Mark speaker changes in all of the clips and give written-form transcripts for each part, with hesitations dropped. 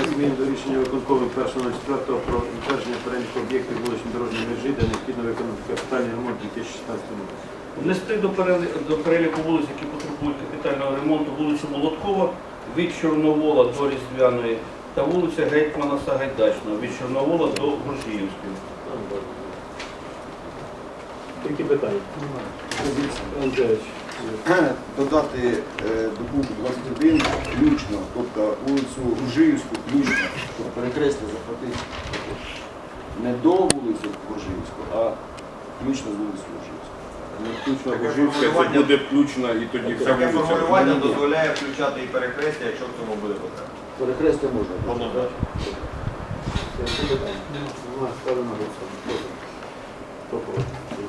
Speaker 1: Змін до рішення виконкому 1.04 про утвердження переліку об'єктів вуличної дорожньої мережі, де необхідно виконати капітальний ремонт у 2016 році.
Speaker 2: Внести до переліку вулиць, які потребують капітального ремонту, вулицю Молоткова від Чорновола до Різдвяної та вулиця Гетьмана Сагайдачного від Чорновола до Грушіївської.
Speaker 1: Які питання? Андрійович.
Speaker 3: Додати до пункту 21 включно, тобто вулицю Грушіївську включно, тобто перекреслити, захватити не до вулиці Грушіївську, а включно з вулиці Грушіївську.
Speaker 4: Включно Грушівська, це буде включно і тоді вся
Speaker 5: Таке
Speaker 4: вулиця.
Speaker 5: формулювання дозволяє включати і перехрестя, якщо в цьому буде потреба.
Speaker 3: Перекрестя можна.
Speaker 1: Ставлю на голосування. Хто проти?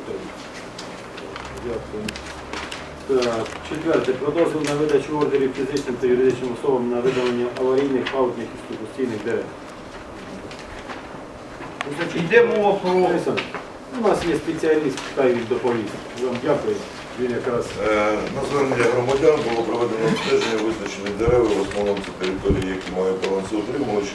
Speaker 1: Дякую. Так, четверте. Про дозвіл на видачу ордерів фізичним та юридичним особам на видалення аварійних, пагубних і сухостійних дерев.
Speaker 2: Йде мова про...
Speaker 1: Олександр, у нас є спеціаліст, хай він доповість. Вам дякую. Він якраз...
Speaker 6: На звернення громадян було проведено обстеження визначених дерев, в основному це території, які мають балансоутримувачі.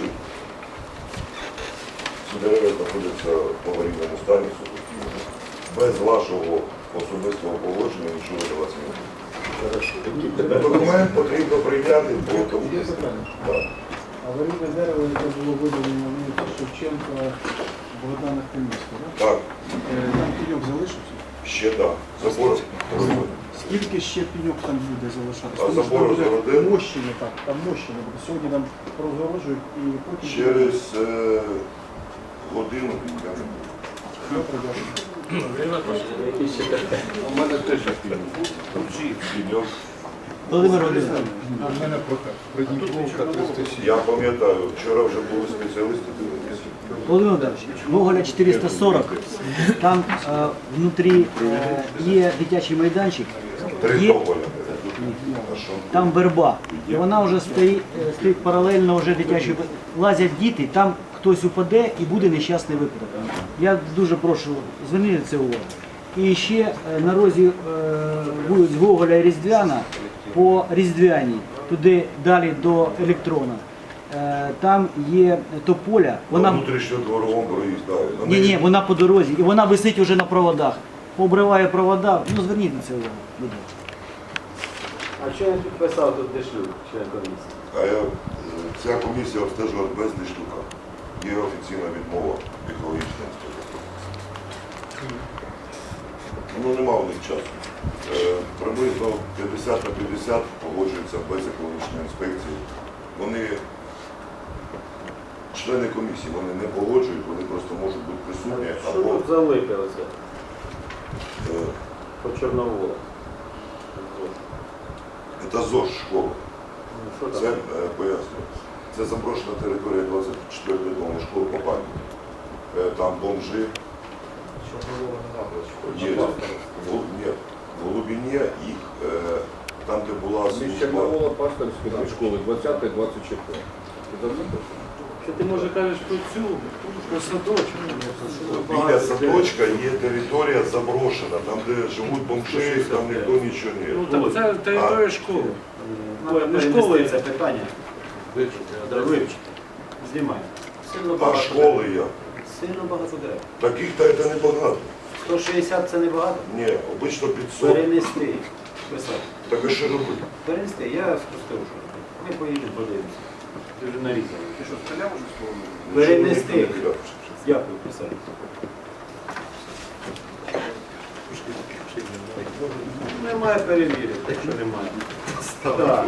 Speaker 6: Ці дерева знаходяться в аварійному стані, без вашого особистого погодження нічого даватися не буде. Документ потрібно прийняти, бо тому
Speaker 7: Аварійне дерево, яке було видалено вулиці Шевченка, Богдана Хмельницького, так?
Speaker 6: Так,
Speaker 7: Там пеньок залишився?
Speaker 6: ще так. Забор розгородили.
Speaker 7: Скільки ще пеньок там буде залишатися?
Speaker 6: А забор розгородили?
Speaker 7: Мощення, так, там мощення буде. Сьогодні нам розгороджують і потім...
Speaker 6: Через годину я не буду.
Speaker 7: Добре, дякую.
Speaker 4: У мене теж є фільм.
Speaker 6: Підйом.
Speaker 8: Володимир Володимирович,
Speaker 7: А в мене
Speaker 4: Придніпровка 307.
Speaker 6: Я пам'ятаю, вчора вже були спеціалісти, дивилися.
Speaker 8: Володимир Володимирович, Гоголя 440, там внутрі є дитячий майданчик,
Speaker 6: Три
Speaker 8: є,
Speaker 6: Гоголя. А що?
Speaker 8: там верба, і вона вже стоїть паралельно вже дитячій, лазять діти, там хтось упаде і буде нещасний випадок. Я дуже прошу, зверніть на це увагу. І ще на розі вулиць Гоголя і Різдвяна, по Різдвяній, туди далі до Електрона, там є тополя, вона...
Speaker 6: Внутрішньо дворовому проїзду.
Speaker 8: Ні, вона по дорозі, і вона висить уже на проводах. Обриває провода, ну зверніть на це увагу. будь ласка.
Speaker 1: А що я підписав тут Дешлюк, член комісії?
Speaker 6: Ця комісія обстежувала без Дешлюка. Є офіційна відмова екологічної інспекції. Ну, нема у них часу. Приблизно 50 на 50 погоджуються без екологічної інспекції. Вони, члени комісії, вони не погоджують, вони просто можуть бути присутні.
Speaker 1: Що
Speaker 6: Або
Speaker 1: тут залипилося
Speaker 6: е,
Speaker 1: по Чорноволу?
Speaker 6: це ЗОЖ школа.
Speaker 1: Що там?
Speaker 6: Це пояснюю. Це заброшена територія 24-ї доmu школи по пам'яті. Там бомжи. Є. Ні, в глибині їх, там, де була
Speaker 4: Між
Speaker 6: служба.
Speaker 4: Чорновола, Пасторської дві школи, 20 і 24. Ти давно пишеш?
Speaker 1: Що ти може кажеш про цю, про садочок?
Speaker 6: Біля садочка є територія заброшена, там, де живуть бомжи, там ніхто нічого не.
Speaker 1: так це територія школи. Не школи це питання. Вивчити. Знімай.
Speaker 6: А школи як?
Speaker 1: Сильно багато дерев.
Speaker 6: Таких та це небагато.
Speaker 1: 160 це не багато?
Speaker 6: Ні, обично 500.
Speaker 1: Перенести. Писати.
Speaker 6: Так а що робити?
Speaker 1: Перенести, я спростив, що робити. Ми поїдемо, подивимося. Ти вже нарізали.
Speaker 4: Ти що, стріляв уже слово?
Speaker 1: Перенести. Дякую, писати. Немає перевірити, якщо немає. Так.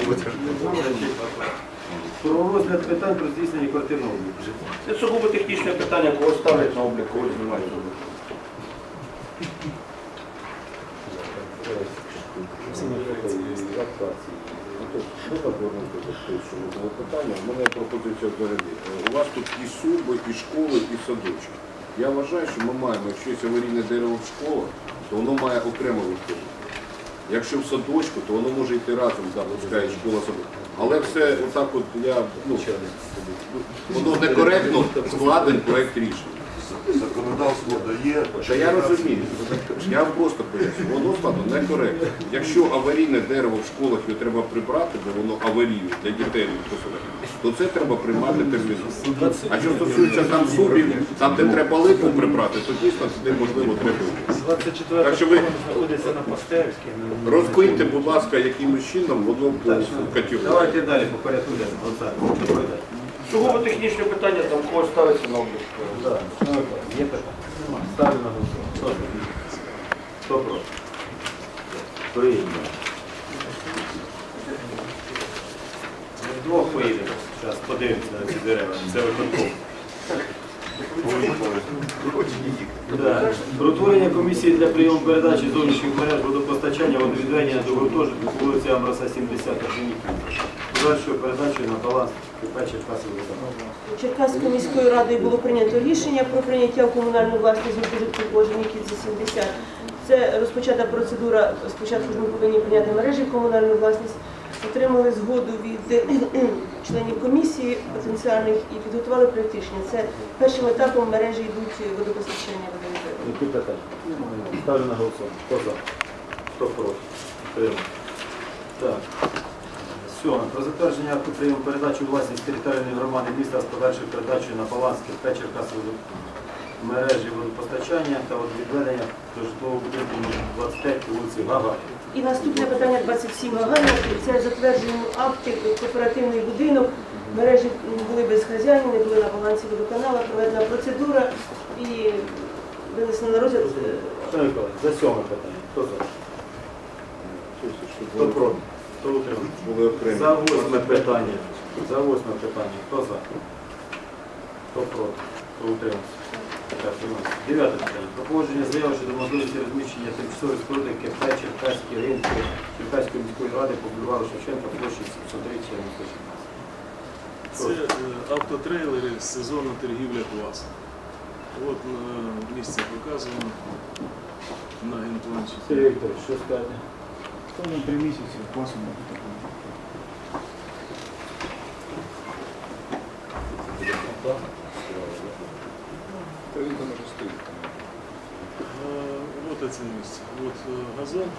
Speaker 1: Про розгляд питань про здійснення квартирного обліку.
Speaker 2: Це сугубо технічне питання, кого ставлять на облік, кого знімають з обліку.
Speaker 4: У мене пропозиція взагалі. У вас тут і суби, і школи, і садочки. Я вважаю, що ми маємо, якщо є аварійне дерево в школах, то воно має окремо виходити. Якщо в садочку, то воно може йти разом, пускай школа садочок. Але все отак от воно некоректно складений проєкт рішення.
Speaker 6: Законодавство дає.
Speaker 4: Та я розумію. Я вам просто поясню. Воно складно некоректно. Якщо аварійне дерево в школах його треба прибрати, бо воно аварійне для дітей, то це треба приймати терміново. А що стосується там субів, там де треба липу прибрати, то дійсно туди можливо треба.
Speaker 1: 24
Speaker 4: Так що ви
Speaker 1: знаходиться на Пастерській.
Speaker 4: розкиньте, будь ласка, якимось чином воно по категорії.
Speaker 1: Давайте далі по порядку денному. Олександр, доповідайте.
Speaker 2: Сугубо технічне питання, там когось ставиться на облік.
Speaker 1: Да. Є питання? Немає. Ставлю на голосування. Хто проти? Прийняли. Ми вдвох поїдемо. Зараз подивимося на ці дерева. Це виконком. Да. Про утворення комісії для прийому передачі зовнішніх мереж водопостачання водовідведення до гуртожитку по вулиці Амроса 70 подальшою передачею на баланс КП Черкаси водоканал.
Speaker 9: Черкаською міською радою було прийнято рішення про прийняття в комунальну власність гуртожитку Боженіківці 70. Це розпочата процедура. Спочатку ж ми повинні прийняти мережі в комунальну власність, отримали згоду від членів комісії потенціальних і підготували проєкт рішення. Це першим етапом мережі йдуть водопостачання водовідведення.
Speaker 1: Які питання? Ставлю на голосування. Хто за? Хто проти? Підтримуємо. Так. Сьоме. Про затвердження акту прийому передачі у власність територіальної громади міста з подальшою передачею на баланс КП Черкаси мережі водопостачання та відведення до житлового будинку номер 25 по вулиці Гагаріна.
Speaker 9: І наступне питання 27 Гагаріна. Це затвердження акти кооперативний будинок. Мережі були без хазяїна, не були на балансі водоканала, проведена процедура і винесено на розгляд.
Speaker 1: Шановні колеги, за сьоме питання. Хто за? Хто проти? Хто утримався?
Speaker 4: Були окремі.
Speaker 1: За восьме питання. За восьме питання. Хто за? Хто проти? Хто утримався? Так, приймається. Дев'яте питання. Про погодження заяви щодо можливості розміщення тимчасової споруди КП Черкаські ринки Черкаської міської ради по бульвару Шевченка площі 730
Speaker 10: Це автотрейлери з сезону торгівля класу. От місце показано на генпланчику.
Speaker 1: Сергій Вікторович, що скажете?
Speaker 7: Тому 3 місяці класом не буде.
Speaker 3: Та він там уже стоїть.
Speaker 10: От це місце. От газон.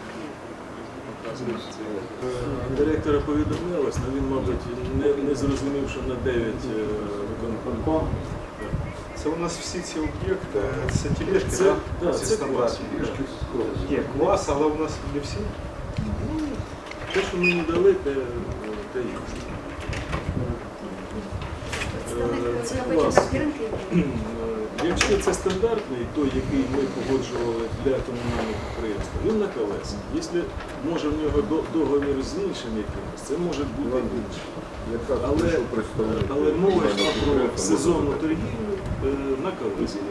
Speaker 10: Директора повідомлялось, але він, мабуть, не зрозумів, що на 9 виконком.
Speaker 11: Це у нас всі ці об'єкти, це тележки,
Speaker 10: Це,
Speaker 11: так?
Speaker 10: да, це клас.
Speaker 11: Є клас, але у нас не всі.
Speaker 10: Ну, те, що мені дали, те є. Це клас. Якщо це стандартний, той, який ми погоджували для комунального підприємства, він на колесах. Якщо може в нього договір з іншим якимось, це може бути інше. Але мова йшла про сезонну торгівлю на колесах.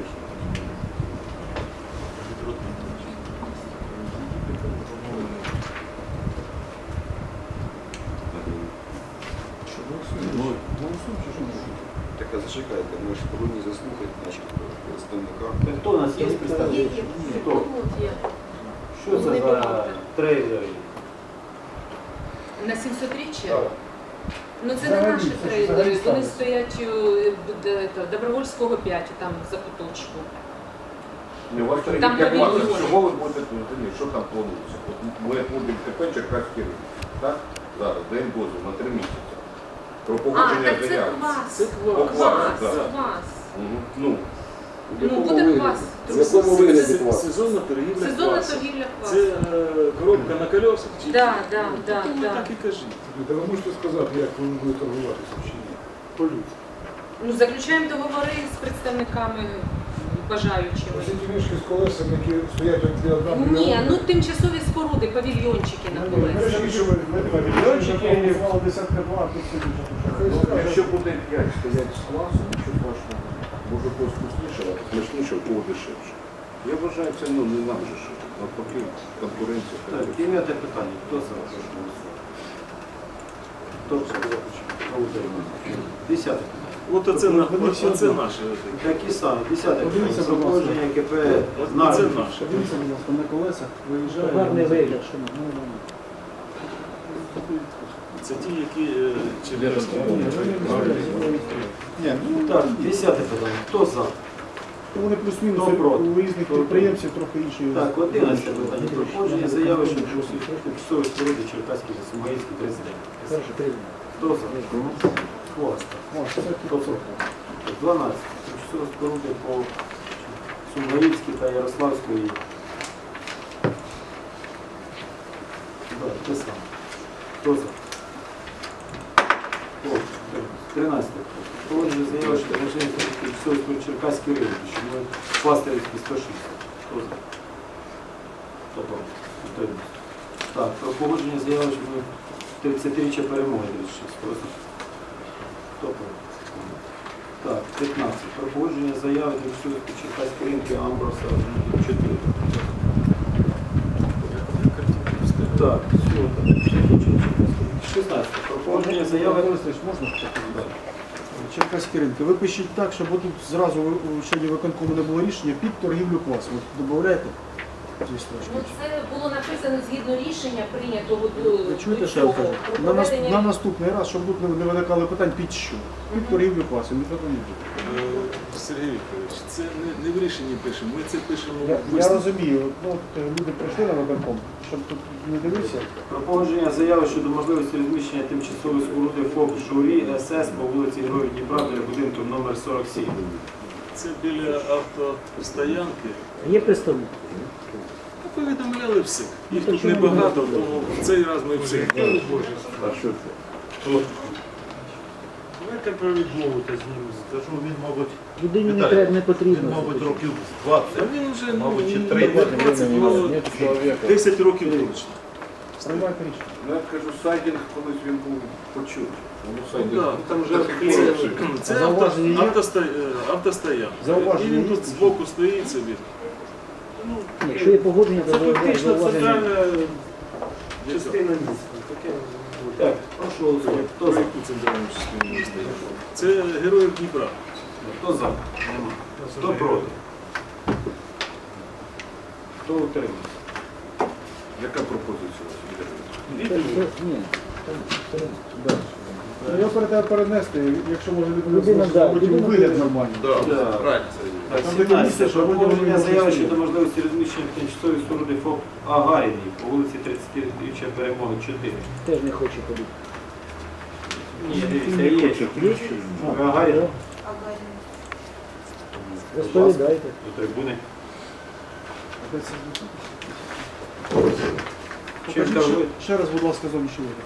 Speaker 3: Так, а зачекайте, ми ж повинні заслухати наших представників.
Speaker 1: Хто у нас є представник? Хто? Що це за трейлери?
Speaker 12: На 700-річчя? Ну це не наші трейлери, вони стоять у Добровольського 5, там за куточку.
Speaker 4: Не, у вас
Speaker 12: Там
Speaker 4: торгівля класу.
Speaker 12: павільйон.
Speaker 4: Чого ви будете тут? Що там планується? От ми будемо КП Черкаський ринок. Так? Зараз, даємо дозвіл на 3 місяці. Про
Speaker 12: А,
Speaker 4: погодження
Speaker 12: так це
Speaker 4: заяв.
Speaker 12: квас.
Speaker 10: Це
Speaker 4: По
Speaker 10: квас.
Speaker 4: квасу,
Speaker 12: Квас,
Speaker 4: так.
Speaker 12: квас.
Speaker 4: Ну,
Speaker 12: Ну, буде квас.
Speaker 3: В якому вигляді клас?
Speaker 10: Сезонна торгівля
Speaker 12: Сезонна
Speaker 10: класу.
Speaker 12: торгівля квас.
Speaker 10: Це коробка на колесах? Чи
Speaker 12: Да,
Speaker 10: що?
Speaker 12: да, да,
Speaker 10: Тому
Speaker 12: да.
Speaker 10: так і кажіть.
Speaker 11: Та ви можете сказати, як вони будуть торгуватися чи ні? По-людськи.
Speaker 12: Ну, заключаємо договори з представниками бажаючими.
Speaker 11: Ось ці тележки з колесами, які стоять один одна.
Speaker 12: Ні, ну тимчасові споруди, павільйончики на колесах.
Speaker 7: Павільйончики, мало десятка два, тут сидить.
Speaker 4: якщо буде 5 стоять з класу, нічого страшного. Може когось вкусніше, а смачніше, у кого дешевше. Я вважаю, це ну, не нам же що. Навпаки, конкуренція.
Speaker 1: Так, 9 питання. Хто за? Хто проти? Хто утримався? 10 питання.
Speaker 10: От оце наше.
Speaker 1: Такі самі. 10 питання.
Speaker 7: Подивіться,
Speaker 1: Про
Speaker 7: будь ласка.
Speaker 1: погодження КП
Speaker 10: Це
Speaker 1: «Знак».
Speaker 10: наше.
Speaker 7: Подивіться, будь ласка, на колесах виїжджає.
Speaker 8: Гарний вигляд, що
Speaker 10: Це ті, які Черкаські.
Speaker 7: Ні, ну
Speaker 1: Так, 10 питання. Хто за?
Speaker 7: вони плюс-мінус
Speaker 1: Хто проти?
Speaker 7: у різних
Speaker 1: Хто
Speaker 7: підприємців трохи інші.
Speaker 1: Так, 11 питання. Про погодження заяви щодо тимчасової споруди Черкаській та Сумаїльській 39.
Speaker 8: Перше, третє.
Speaker 1: Хто за? Хвоста.
Speaker 7: О, це
Speaker 1: Хто проти? 12. Тимчасові споруди по Сумгаївській та Ярославської. Так, те саме. Хто за? 13. Проводження заяви, що режимі тимчасові споруди Черкаський ринок, що ми Пастирівський 106. Хто за? Хто проти? Утримався. Так, про погодження заяви, що ми 30-річчя перемоги 36. Хто за? Хто проти? Так, 15. Про погодження заяви тимчасові споруди Черкаський ринок Амброса 4. Так, все, так. 16. Про погодження заяви.
Speaker 7: можна сказати? Черкаські ринки. Ви пишіть так, щоб тут зразу у члені виконкому не було рішення під торгівлю квасом. От додаєте?
Speaker 12: Ну, це було написано згідно рішення прийнятого до
Speaker 7: Ви чуєте, що я
Speaker 12: цього,
Speaker 7: кажу?
Speaker 12: про
Speaker 7: На
Speaker 12: проведення-
Speaker 7: наступний раз, щоб тут не виникали питань під що? Під торгівлю квасом, ніхто не буде.
Speaker 10: Сергій Вікторович, це не в рішенні пишемо, ми це пишемо в
Speaker 7: Я
Speaker 10: висновку.
Speaker 7: розумію, ну, от люди прийшли на виконком, щоб тут не дивитися.
Speaker 1: Про погодження заяви щодо можливості розміщення тимчасової споруди ФОП «Журі СС» по вулиці Героїв Дніпра біля будинку номер 47.
Speaker 10: Це біля автостоянки.
Speaker 8: Є представник?
Speaker 10: Повідомляли всіх. Їх
Speaker 8: Ну,
Speaker 10: тут
Speaker 8: то чому
Speaker 10: небагато, тому в цей раз ми всіх.
Speaker 11: А що це? Давайте про відмову та з ним, тому що він, мабуть,
Speaker 8: Людині не
Speaker 11: Віталій,
Speaker 8: треба, не
Speaker 11: він,
Speaker 8: потрібно.
Speaker 11: мабуть, років 20.
Speaker 10: А він вже
Speaker 11: Мабуть, чи
Speaker 10: не
Speaker 11: 30.
Speaker 10: 20, було 10 років точно.
Speaker 7: Приймайте рішення.
Speaker 4: Ну, я кажу, сайдинг колись він був почут. Воно
Speaker 10: Ну,
Speaker 4: сайдинг.
Speaker 10: да,
Speaker 4: Там вже
Speaker 10: Це
Speaker 7: Зауваження є?
Speaker 10: автостоянка.
Speaker 7: Зауваження
Speaker 10: І він
Speaker 7: є?
Speaker 10: тут збоку стоїть собі.
Speaker 8: Якщо є погодження,
Speaker 10: Це
Speaker 8: то
Speaker 10: фактично
Speaker 8: зауваження.
Speaker 10: центральна
Speaker 1: Частина міста. Так, прошу голосувати. Хто за?
Speaker 10: Яку центральну частину міста? Це Героїв Дніпра.
Speaker 1: Хто за? Нема. Хто проти? Хто утримався?
Speaker 4: Яка пропозиція у вас?
Speaker 8: Ні, далі.
Speaker 7: Я перенести, якщо може
Speaker 8: Людина, да,
Speaker 7: зробити
Speaker 8: людина
Speaker 7: вигляд
Speaker 8: буде.
Speaker 7: нормальний.
Speaker 1: Так,
Speaker 7: Там
Speaker 1: 17.
Speaker 7: таке місце, що
Speaker 1: Про
Speaker 7: вроді
Speaker 1: погодження
Speaker 7: вони
Speaker 1: заяви
Speaker 7: працюють.
Speaker 1: щодо можливості розміщення тимчасової споруди ФОП Агаріній по вулиці 30-річчя Перемоги 4.
Speaker 8: Теж не хоче ходити.
Speaker 1: Ні, дивіться, є. Агарін.
Speaker 8: Розповідайте.
Speaker 1: До трибуни. Чим
Speaker 7: Покажіть
Speaker 1: торгує?
Speaker 7: ще раз, будь ласка, зовнішній вигляд.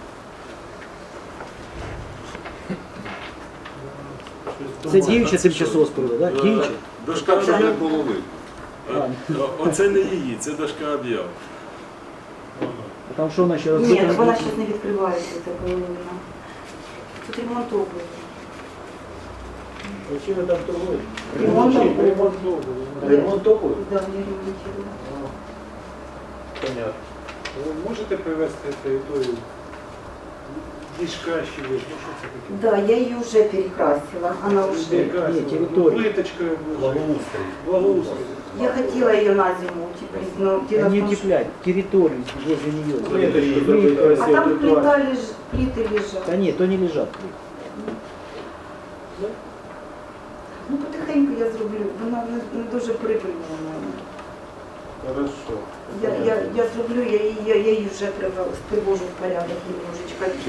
Speaker 8: Це діюча тимчасова споруда, так? Діюча?
Speaker 10: Дошка
Speaker 4: Щоб не
Speaker 10: об'яв.
Speaker 4: було видно.
Speaker 10: Оце не її, це дошка об'яв.
Speaker 8: А там що вона ще
Speaker 13: Ні,
Speaker 8: розбита?
Speaker 13: так вона зараз не відкривається, ця половина. Тут ремонт робить.
Speaker 8: Чим ви там торгуєте?
Speaker 7: Ремонт топовий?
Speaker 13: Да, я ремонтую.
Speaker 1: Понятно.
Speaker 11: Ви можете привести територію дішка ще є? Ну, що це таке?
Speaker 13: Да, я ее уже перекрасила. Она уже...
Speaker 11: Яка
Speaker 8: Ні,
Speaker 11: це?
Speaker 8: територія.
Speaker 11: Плиточка.
Speaker 1: Благоустрій.
Speaker 11: Благоустрій.
Speaker 13: Я хотела ее на зиму утеплить, но дело
Speaker 8: Не
Speaker 13: в том, что...
Speaker 8: утеплять, территорию возле нее.
Speaker 13: А там плиты лежат.
Speaker 8: Да нет, то не лежат.
Speaker 13: Ну, потихеньку я зроблю. Вона не дуже прибильна у мене.
Speaker 1: Хорошо.
Speaker 13: Я зроблю, я її вже привожу в порядок немножечко.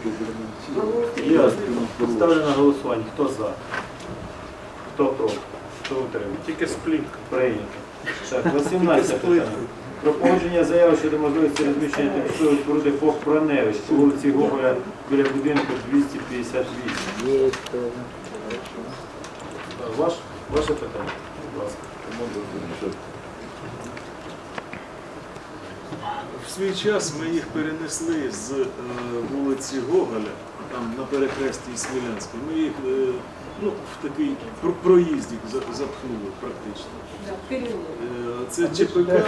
Speaker 1: Ясно. Ставлю на голосування. Хто за? Хто проти? Хто утримує?
Speaker 11: Тільки сплітка.
Speaker 1: Прийнято. Так, 18 питання. Про погодження заяви щодо можливості розміщення тимчасової споруди ФОП «Проневич» по вулиці Гоголя біля будинку 258.
Speaker 8: Есть.
Speaker 1: Ваше питання, будь ласка.
Speaker 10: В свій час ми їх перенесли з вулиці Гоголя, там на перехресті із Смілянською. Ми їх в такий проїздик запхнули практично.
Speaker 12: Да, переулок.
Speaker 10: Це ЧПК.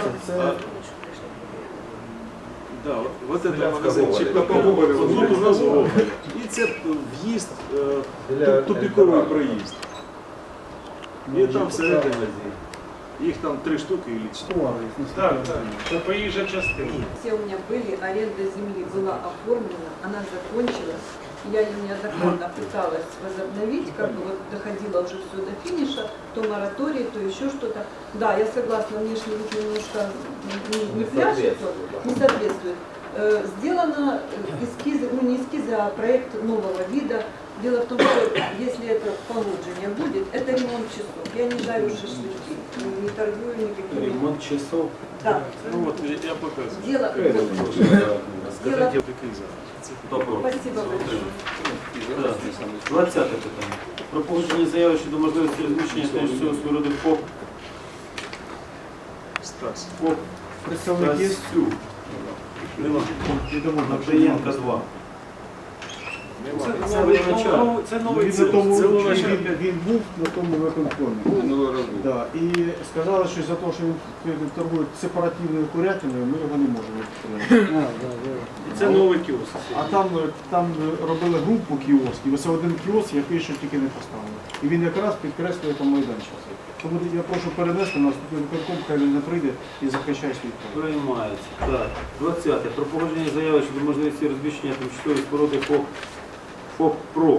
Speaker 10: Да, от це магазин ЧПК. Тут у нас Гоголя. І це в'їзд, тупіковий проїзд. І там всередині. Їх там 3 штуки і 4.
Speaker 11: Так, так. Це проїжджа частина.
Speaker 14: Все у меня были, аренда земли была оформлена, она закончилась. Я ее неоднократно пыталась возобновить, как бы вот доходила уже все до финиша, то мораторий, то еще что-то. Да, я согласна, внешний вид немножко не пляшет, не соответствует. Сделано эскизы, ну не эскизы, а проект нового вида. Дело в том, что если это положение будет, это ремонт часов. Я не жарю шашлыки, не торгую никакими.
Speaker 1: Ремонт часов.
Speaker 14: Да.
Speaker 10: Ну вот, я показываю.
Speaker 14: Дело. Дело.
Speaker 10: Такий зараз.
Speaker 1: Хто проти?
Speaker 14: Спасибо большое.
Speaker 1: Так. 20 питання. Про погодження заяви щодо можливості розміщення тимчасової споруди ФОП.
Speaker 10: Стас.
Speaker 1: ФОП
Speaker 7: Представник є?
Speaker 1: Стасю.
Speaker 7: Нема.
Speaker 1: Наприємка 2.
Speaker 7: Це новий
Speaker 10: Це
Speaker 7: він був на тому виконкомі.
Speaker 3: Минулого разу був.
Speaker 7: Да, і сказали, що за те, що він торгує сепаративною курятиною, ми його не можемо підтримати.
Speaker 10: Це новий кіоск.
Speaker 7: А там робили групу кіосків, ось один кіоск, який ще тільки не поставили. І він якраз підкреслює там майданчик. Тому я прошу перенести на наступний виконком, хай він не прийде і захищає свій право.
Speaker 1: Приймається. Так. 20. Про погодження заяви щодо можливості розміщення тимчасової споруди ФОП ПРО.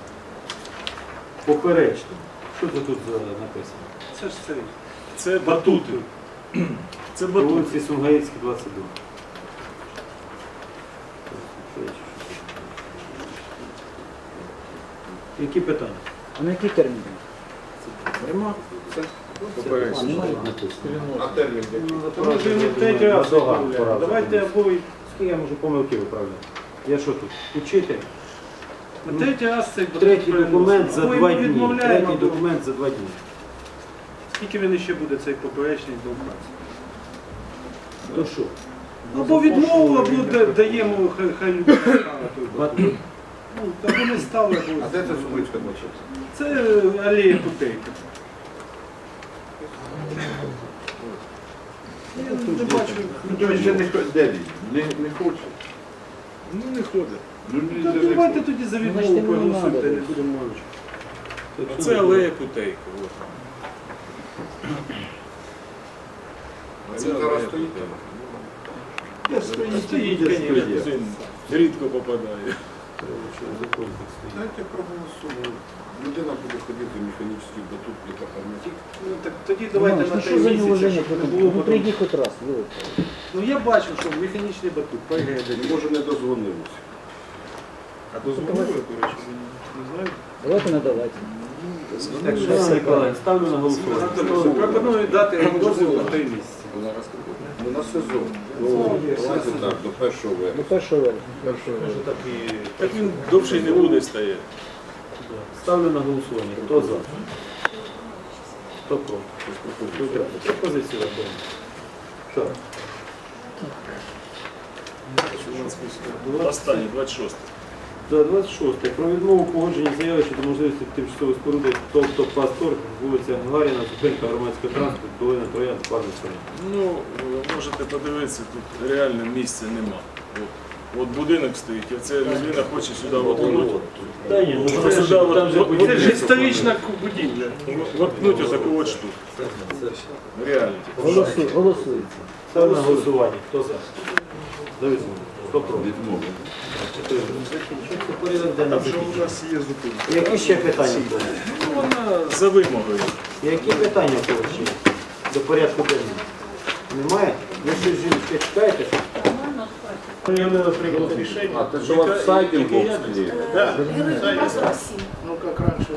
Speaker 1: Поперечно. Що це тут написано?
Speaker 10: Це ж це. Це батути. Це
Speaker 1: По
Speaker 10: батути.
Speaker 1: вулиці Сумгаїцькій, 22. Які питання?
Speaker 8: А на який термін?
Speaker 1: Нема.
Speaker 4: А термін який?
Speaker 1: Тому що він третій раз пора. Давайте обоє, скільки я можу помилки виправляти. Я що тут? Учитель?
Speaker 11: Третій раз цей
Speaker 1: Третій документ за
Speaker 11: Ми
Speaker 1: 2 дні.
Speaker 11: відмовляємо,
Speaker 1: Третій документ за 2 дні.
Speaker 11: Скільки він ще буде цей поперечний документ?
Speaker 1: То що?
Speaker 11: Або відмову, або даємо, хай люди ставити.
Speaker 1: Батут?
Speaker 11: Ну, або не ставили,
Speaker 4: А
Speaker 11: або...
Speaker 4: де це Сумицька почався?
Speaker 11: Це алея Путейка. Я не бачу.
Speaker 4: Де він? Не хоче.
Speaker 10: Ну не ходить.
Speaker 11: Ну, давайте тоді за відмову проголосуйте, не будемо мовчати.
Speaker 10: А це алея Путейка. От.
Speaker 4: Він зараз стоїть.
Speaker 10: Стоїть, звісно. Рідко попадає.
Speaker 4: Дайте проголосуємо. Людина буде ходити в механічний батут для катарматик.
Speaker 11: Ну, так тоді давайте на 3 місяці, щоб не було
Speaker 8: Ну
Speaker 11: потім.
Speaker 8: прийди хоч раз.
Speaker 11: Ну я бачив, що механічний батут, поїхали.
Speaker 4: Може не дозвонилися.
Speaker 10: А дозволили, до речі, не знаю.
Speaker 8: Давайте надавайте.
Speaker 1: Так, Шановні колеги, ставлю на голосування.
Speaker 11: Пропоную дати дозвіл на 3 місяці.
Speaker 4: Ну на сезон. Ну, давайте так, до 1 вересня.
Speaker 8: До 1 вересня.
Speaker 10: Так він довше не буде стояти.
Speaker 1: Ставлю на голосування. Хто за? Хто проти? Пропозицію враховано. Так.
Speaker 10: Останній, 26.
Speaker 1: За 26. Про відмову погодження заяви щодо можливості тимчасової споруди тобто Пастор, вулиця Гагаріна, зупинка громадського транспорту, долина Троян, парний сторон.
Speaker 10: Ну, ви можете подивитися, тут реально місця нема. От будинок стоїть, і це людина хоче сюди воткнути.
Speaker 1: Та ні, ну
Speaker 10: Сюди
Speaker 11: Це ж історична будівля.
Speaker 10: воткнути отаку от штуку. Реально.
Speaker 8: Голосується.
Speaker 1: ставлю на голосування. Хто за? Давид, хто проти? Закінчується порядок денний.
Speaker 10: Там же у нас є зупинка.
Speaker 1: Які ще питання були?
Speaker 10: Ну, вона за вимогою.
Speaker 1: Які питання ще до порядку денного? Немає? Ви щось жінки чекаєте?
Speaker 4: А те, що у вас сайті в Боксі?
Speaker 11: Ну, як раніше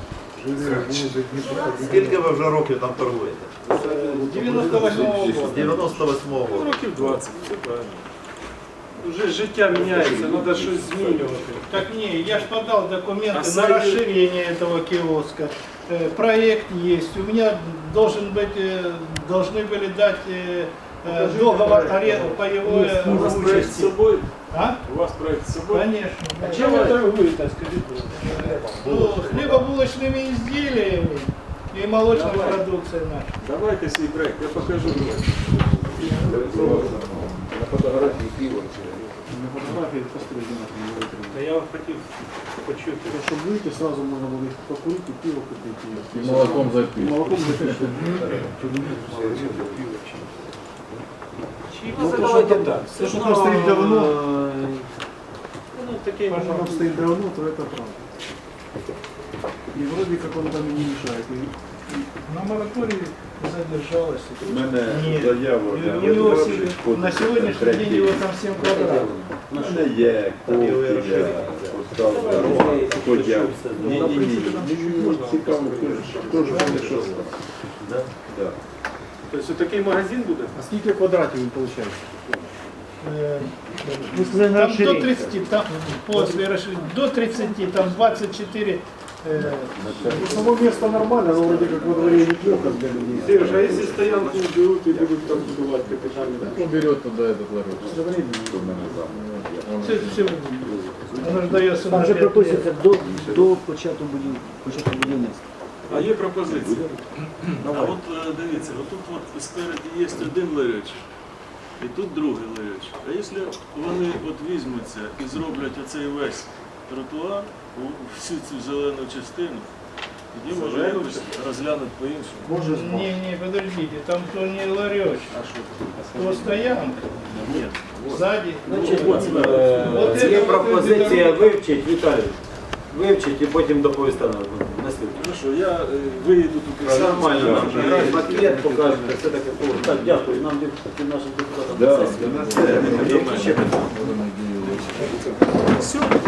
Speaker 15: Скільки ви вже років там торгуєте?
Speaker 11: 98-го року.
Speaker 15: 98-го року.
Speaker 10: Років 20, все правильно.
Speaker 11: Уже життя міняється, треба щось змінювати.
Speaker 16: Так не, я ж подал документы
Speaker 10: А
Speaker 16: на
Speaker 10: сайт-
Speaker 16: расширение этого киоска. Проект есть. У меня должны были дать договор аренды по его
Speaker 10: У вас проект з
Speaker 16: участи.
Speaker 10: собою?
Speaker 16: А?
Speaker 10: У вас проект з собою?
Speaker 16: Конечно.
Speaker 11: А чим ви торгуєте, скажіть?
Speaker 16: Ну, хлебобулочными изделиями и молочной
Speaker 10: Давай.
Speaker 16: продукцией нашей.
Speaker 10: Давайте свій проект, я покажу.
Speaker 3: На фотографії пиво.
Speaker 7: На фотографії пострижена.
Speaker 11: Та я хотів почути.
Speaker 7: Щоб вийти, одразу можна буде покурити, пиво купити.
Speaker 3: І молоком запити.
Speaker 7: І молоком запити.
Speaker 1: Ну, давайте так.
Speaker 7: Те, що там стоїть давно,
Speaker 11: Ну, такий
Speaker 7: то, що там стоїть давно, то це правда. І вроде как он там і не мешает.
Speaker 16: На моратории задержалась.
Speaker 15: У мене
Speaker 16: Нет.
Speaker 15: заяву.
Speaker 16: У него на сегодняшний день его там 7 квадратов.
Speaker 15: У мене є копія
Speaker 10: Тобто такий магазин буде?
Speaker 7: А скільки квадратів він виходить?
Speaker 8: Ви сказали на
Speaker 16: Там до
Speaker 8: розширення.
Speaker 16: 30, там после расширения, до 30, там 24.
Speaker 7: Само место нормально, но вроде как во дворе неплохо для людей.
Speaker 10: Сереж, а якщо стоянку беруть і будуть там будувати капітальний?
Speaker 11: Кто берет туда этот ларек?
Speaker 16: Воно ж дається
Speaker 8: Там
Speaker 16: на
Speaker 8: вже
Speaker 16: 5 лет.
Speaker 8: прописується до початку будівництва.
Speaker 10: А є пропозиція. А от дивіться, отут от спереді є один ларечок, і тут другий ларечок. А якщо вони от візьмуться і зроблять оцей весь тротуар, всю цю зелену частину, тоді може якось розглянути по-іншому.
Speaker 16: Не, подождите, там то не ларечек, то стоянка.
Speaker 10: Ні.
Speaker 16: Сзади.
Speaker 1: Значить, є пропозиція вивчити, Віталій, вивчити і потім доповісти на слід.
Speaker 10: Ну що, я виїду тут.
Speaker 1: Нормально, нам же пакет покажете, все таке. Так, дякую, нам нашим депутатам.
Speaker 10: Все.